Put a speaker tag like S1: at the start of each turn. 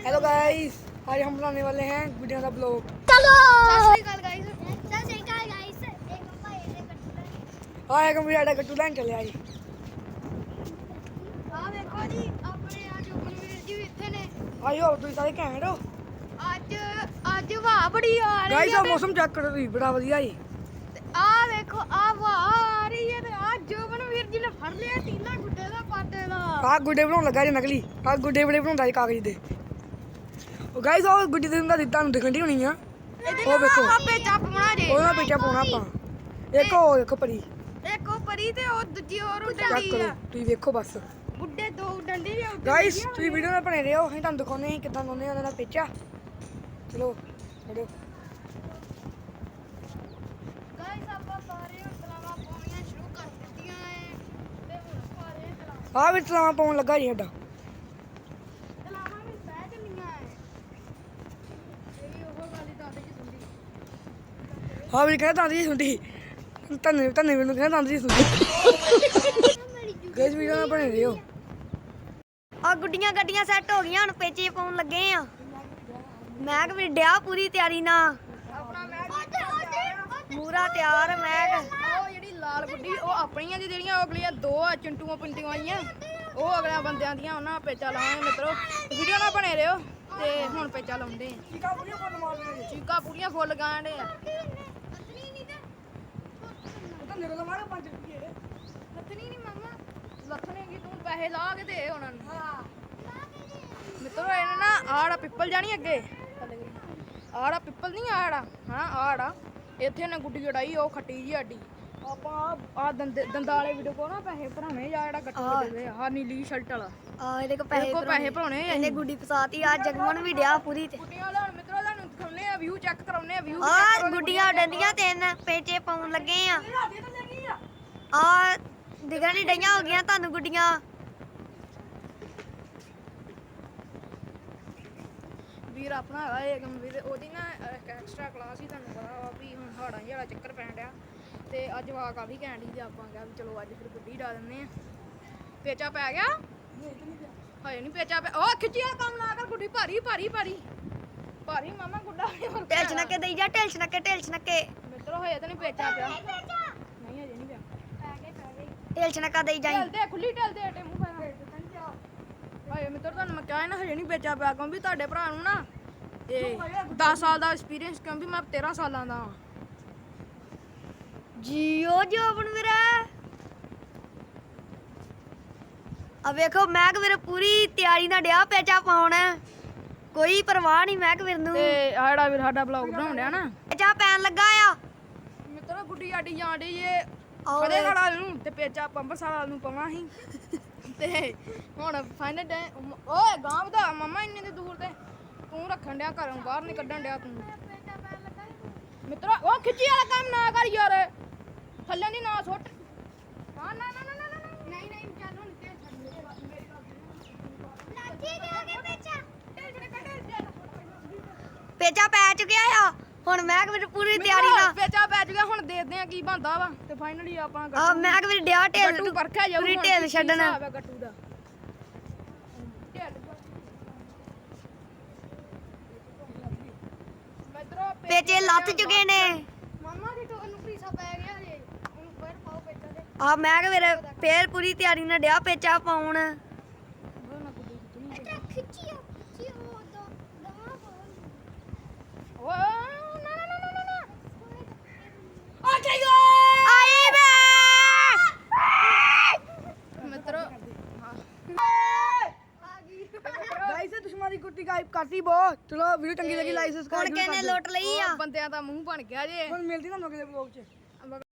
S1: Hello guys, आज हम बनाने वाले हैं वीडियो का ब्लॉग।
S2: चलो
S1: हाँ एक मुझे आटा कट्टू लाइन चले आई।
S2: ਆ ਵੇਖੋ ਜੀ ਆਪਣੇ ਆ ਜੁਗਨਵੀਰ ਜੀ ਵੀ ਇੱਥੇ ਨੇ
S1: आयो तुम सारे कैमरे हो
S2: ਅੱਜ ਹਵਾ ਬੜੀ ਆ ਰਹੀ
S1: गाइस
S2: ਹੈ
S1: अब मौसम चेक करो जी, बड़ा बढ़िया जी।
S2: ਆ ਵੇਖੋ ਆ ਹਵਾ ਆ ਰਹੀ ਹੈ ਤੇ ਆ ਜੁਗਨਵੀਰ ਜੀ ਨੇ ਫੜ ਲਿਆ ਤੀਲਾ ਗੁੱਡੇ ਦਾ ਪਾਟੇ ਦਾ
S1: आ गुड्डे बनाने लगा जी नकली। आ गुड्डे बड़े बनाता जी कागज दे। ओ गाइस और गुड्डी दे ਤੁਹਾਨੂੰ ਦਿਖਣ ਦੀ ਹੋਣੀ ਆ। ਉਹ ਵੇਖੋ
S2: ਆਪੇ ਚੱਪ ਬਣਾ ਜੇ
S1: ਉਹਨਾਂ ਪਿੱਛੇ ਪਾਉਣਾ ਆਪਾਂ। ਇੱਕ ਉਹ ਦੇਖੋ ਪਰੀ
S2: ਇੱਕ ਉਹ ਪਰੀ ਤੇ ਉਹ ਦੂਜੀ ਹੋਰ
S1: ਚੈੱਕ
S2: ਡੰਡੀ
S1: ਕਰੋ
S2: ਆ
S1: ਤੁਸੀਂ ਵੇਖੋ ਬਸ।
S2: ਬੁੱਢੇ ਦੋ ਡੰਡੀ ਦੇ ਉੱਤੇ
S1: ਗਾਇਸ ਤੁਸੀਂ ਵੀਡੀਓ ਨਾਲ ਬਣੇ ਰਹੋ, ਅਸੀਂ ਤੁਹਾਨੂੰ ਦਿਖਾਉਂਦੇ ਹਾਂ ਕਿੱਦਾਂ ਲਾਉਂਦੇ ਉਹਨਾਂ ਦਾ ਪੇਚਾ। ਚਲੋ ਛੱਡੋ।
S2: ਗਾਇਸ ਆਪਾਂ ਸਾਰੇ ਤਲਾਵਾਂ ਪਾਉਣੀਆਂ ਸ਼ੁਰੂ ਕਰ ਦਿੱਤੀਆਂ ਐ ਤੇ ਹੁਣ ਸਾਰੇ ਤਲਾਵਾਂ
S1: ਆਹ ਵੀ ਤਲਾਵਾਂ ਪਾਉਣ ਲੱਗਾ ਜੀ ਸਾਡਾ।
S2: ਵੀ ਬਹਿ ਚੱਲੀਆਂ ਐ ਇਹ ਵੀ ਉਹ ਗੱਲ ਹੀ ਦੱਸ ਜੀ ਸੁਣਦੀ
S1: ਹਾਂ ਵੀ ਕਹਿੰਦਾ ਦੰਦ ਜੀ ਸੁੰਡੀ। ਧੰਨੇ ਮੈਨੂੰ ਕਹਿੰਦਾ ਦੰਦ ਜੀ ਸੁੰਡੀ। ਗਾਇਸ ਵੀਡੀਓ ਨਾਲ ਬਣੇ ਰਹੋ।
S2: ਆ ਗੁੱਡੀਆਂ ਗੱਡੀਆਂ ਸੈੱਟ ਹੋ ਗਈਆਂ ਹੁਣ ਪੇਚੇ ਪਾਉਣ ਲੱਗੇ ਆ ਮੈਗ ਵੀ ਡਿਆ ਪੂਰੀ ਤਿਆਰੀ ਨਾਲ ਆਪਣਾ ਮੈਗ ਪੂਰਾ ਤਿਆਰ ਮੈਗ ਉਹ ਜਿਹੜੀ ਲਾਲ ਗੁੱਡੀ ਉਹ ਆਪਣੀਆਂ ਦੀ ਜਿਹੜੀਆਂ ਅਗਲੀਆਂ ਦੋ ਆ ਚਿੰਟੂਆਂ ਪਿੰਟੀਆਂ ਆਈਆਂ ਉਹ ਅਗਲਿਆਂ ਬੰਦਿਆਂ ਦੀਆਂ ਉਹਨਾਂ ਪੇਚਾ ਲਾਵਾਂਗੇ ਮਿੱਤਰੋ ਵੀਡੀਓ ਨਾਲ ਬਣੇ ਰਹੋ ਤੇ ਹੁਣ ਪੇਚਾ ਲਾਉਂਦੇ ਆ ਚੀਕਾਂ ਪੂਰੀਆਂ ਫੁੱਲ ਗਾਂਡੇ ਆ ਲੱਥਣੀ ਨਹੀਂ ਮਾਮਾ ਲੱਥਣੇ ਕੀ ਤੂੰ ਪੈਸੇ ਲਾ ਕੇ ਦੇ ਉਹਨਾਂ ਨੂੰ ਮਿੱਤਰੋ ਇਹਨਾਂ ਨਾ ਆੜਾ ਪਿੱਪਲ ਜਾਣੀ ਅੱਗੇ ਆੜਾ ਪਿੱਪਲ ਨਹੀਂ ਆੜਾ ਹਾਂ ਆੜਾ ਇੱਥੇ ਨੇ ਗੁੱਡੀ ਜੜਾਈ ਉਹ ਖੱਟੀ ਜੀ ਆਡੀ ਆਪਾਂ ਆ ਦੰਦਾਂ ਵਾਲੇ ਵੀਡੀਓ ਕੋ ਨਾ ਪੈਸੇ ਭਰਾਉਣੇ ਜਾਂ ਜਿਹੜਾ ਗੱਟੂ ਦੇ ਆ ਨੀਲੀ ਸ਼ਰਟ ਵਾਲਾ ਆ ਇਹਦੇ ਕੋ ਪੈਸੇ ਭਰਾਉਣੇ ਇਹਨੇ ਗੁੱਡੀ ਫਸਾਤੀ ਆ ਜਗਮਨ ਵੀ ਡਿਆ ਪੂਰੀ ਤੇ ਗੁੱਡੀਆਂ ਲੈਣ ਮਿੱਤਰੋ ਤੁਹਾਨੂੰ ਦਿਖਾਉਣੇ ਆ ਵਿਊ ਚੈੱਕ ਕਰਾਉਣੇ ਆ ਵਿਊ ਆ ਗੁੱਡੀਆਂ ਡੰਡੀਆਂ ਤਿੰਨ ਪੇਚੇ ਪਾਉਣ ਲੱਗੇ ਆ ਆ ਦਿਖਣ ਨਹੀਂ ਡਈਆਂ ਹੋ ਗਈਆਂ ਤੁਹਾਨੂੰ ਗੁੱਡੀਆਂ ਵੀਰ ਆਪਣਾ ਹੈਗਾ ਏਕਮ ਵੀਰ ਉਹਦੀ ਨਾ ਐਕਸਟਰਾ ਕਲਾਸ ਹੀ ਤੁਹਾਨੂੰ ਪਤਾ ਵਾ ਵੀ ਹੁਣ ਹਾੜਾਂ ਜਿਹੜਾ ਚੱਕਰ ਪੈਣ ਡਿਆ ਤੇ ਅੱਜ ਵਾਹ ਕਾਫੀ ਕਹਿਣ ਦੀ ਤੇ ਆਪਾਂ ਕਿਹਾ ਵੀ ਚਲੋ ਅੱਜ ਫਿਰ ਗੁੱਡੀ ਡਾ ਦਿੰਦੇ ਆ ਪੇਚਾ ਪੈ ਗਿਆ ਹਜੇ ਨਹੀਂ ਪੇਚਾ ਪੈ ਉਹ ਖਿੱਚੀ ਵਾਲਾ ਕੰਮ ਨਾ ਕਰ ਗੁੱਡੀ ਭਾਰੀ ਭਾਰੀ ਭਾਰੀ ਭਾਰੀ ਮਾਮਾ ਗੁੱਡਾ ਟੇਲਚ ਨਾ ਕੇ ਦੇਈ ਜਾ ਟੇਲਚ ਨਾ ਕੇ ਮਿੱਤਰੋ ਹਜੇ ਤਾਂ ਨਹੀਂ ਪੇਚਾ ਪਿਆ ਨਹੀਂ ਹਜੇ ਨਹੀਂ ਪਿਆ ਟੇਲਚ ਨਾ ਕਾ ਦੇਈ ਜਾਈ ਟੇਲ ਦੇ ਖੁੱਲੀ ਟੇਲ ਦੇ ਟੇ ਮੂੰਹ ਪੈਣਾ ਹਾਏ ਮਿੱਤਰ ਤੁਹਾਨੂੰ ਮੈਂ ਕਿਹਾ ਨਾ ਹਜੇ ਨਹੀਂ ਵੇਚਿਆ ਪਿਆ ਕਿਉਂਕਿ ਤੁਹਾਡੇ ਭਰਾ ਨੂੰ ਨਾ ਇਹ 10 ਸਾਲ ਦਾ ਐਕਸਪੀਰੀਅੰਸ ਕਿਉਂਕਿ ਮੈਂ 13 ਸਾਲਾਂ ਦਾ ਹਾਂ ਜੀਓ ਜੋਬਨ ਵੀਰਾ ਆ ਵੇਖੋ ਮੈਗ ਵੀਰ ਪੂਰੀ ਤਿਆਰੀ ਨਾਲ ਡਿਆ ਪੇਚਾ ਪਾਉਣ ਕੋਈ ਪਰਵਾਹ ਨਹੀਂ ਮੈਗ ਵੀਰ ਨੂੰ ਤੇ ਆ ਜਿਹੜਾ ਵੀਰ ਸਾਡਾ ਬਲੌਗ ਬਣਾਉਣ ਡਿਆ ਨਾ ਪੇਚਾ ਪੈਣ ਲੱਗਾ ਆ ਮਿੱਤਰੋ ਗੁੱਡੀ ਆਡੀ ਜਾਣ ਡਈ ਏ ਫੜੇ ਵਾਲਾ ਨੂੰ ਤੇ ਪੇਚਾ ਪੰਬਰਸਰ ਵਾਲ ਨੂੰ ਪਵਾਂ ਸੀ ਤੇ ਹੁਣ ਫਾਈਨਲ ਡੇ ਓਏ ਗਾਂ ਵਧਾ ਮਮਾ ਇੰਨੇ ਦੇ ਦੂਰ ਤੇ ਤੂੰ ਰੱਖਣ ਡਿਆ ਘਰੋਂ ਬਾਹਰ ਨਹੀਂ ਕੱਢਣ ਡਿਆ ਤੂੰ ਮਿੱਤਰੋ ਉਹ ਖਿੱਚੀ ਵਾਲਾ ਕੰਮ ਨਾ ਕਰ ਯਾਰ ਥੱਲੇ ਦੀ ਨਾ ਸੁੱਟ ਹਾਂ ਨਾ ਨਹੀਂ ਚੱਲ ਹੁਣ ਤੇ ਛੱਡ ਮੇਰੇ ਲੱਗੀ ਦੇ ਹੋ ਗਿਆ ਪੇਚਾ ਪੈ ਚੁੱਕਿਆ ਆ ਹੁਣ ਮੈਗ ਵੀਰ ਪੂਰੀ ਤਿਆਰੀ ਨਾਲ ਪੇਚਾ ਪੈ ਚੁੱਕਿਆ ਹੁਣ ਦੇਖਦੇ ਆ ਕੀ ਬਣਦਾ ਵਾ ਤੇ ਫਾਈਨਲੀ ਆਪਾਂ ਆ ਮੈਗ ਵੀਰ ਡਿਆ ਢੇਲ ਗੱਟੂ ਪਰਖਿਆ ਜਾਊ ਪੂਰੀ ਢੇਲ ਛੱਡਣਾ ਗੱਟੂ ਦਾ ਪੇਚੇ ਲੱਥ ਚੁੱਕੇ ਨੇ ਮਾਮਾ ਦੀ ਨੂੰ ਪੀਸਾ ਪੈ ਗਿਆ ਜੇ ਉਹਨੂੰ ਫੇਰ ਪਾਓ ਪੇਚਾ ਦੇ ਆ ਮੈਗ ਵੀਰ ਫੇਰ ਪੂਰੀ ਤਿਆਰੀ ਨਾਲ ਡਿਆ ਪੇਚਾ ਪਾਉਣ ਖਿੱਚੀ ਉਹ ਦਵਾ ਓਏ ਆਈ ਮਿੱਤਰੋ
S1: गाइस दुश्मन की कुट्टी गायब करती बहुत। चलो वीडियो चंगी लगी लाइक सब्सक्राइब
S2: ਹੁਣ ਕਿਹਨੇ ਲੁੱਟ ਲਈ ਆ
S1: ਬੰਦਿਆਂ ਦਾ ਮੂੰਹ ਬਣ ਗਿਆ ਜੇ ਹੁਣ ਮਿਲਦੀ ਤੁਹਾਨੂੰ ਅਗਲੇ ਵਲੌਗ 'ਚ।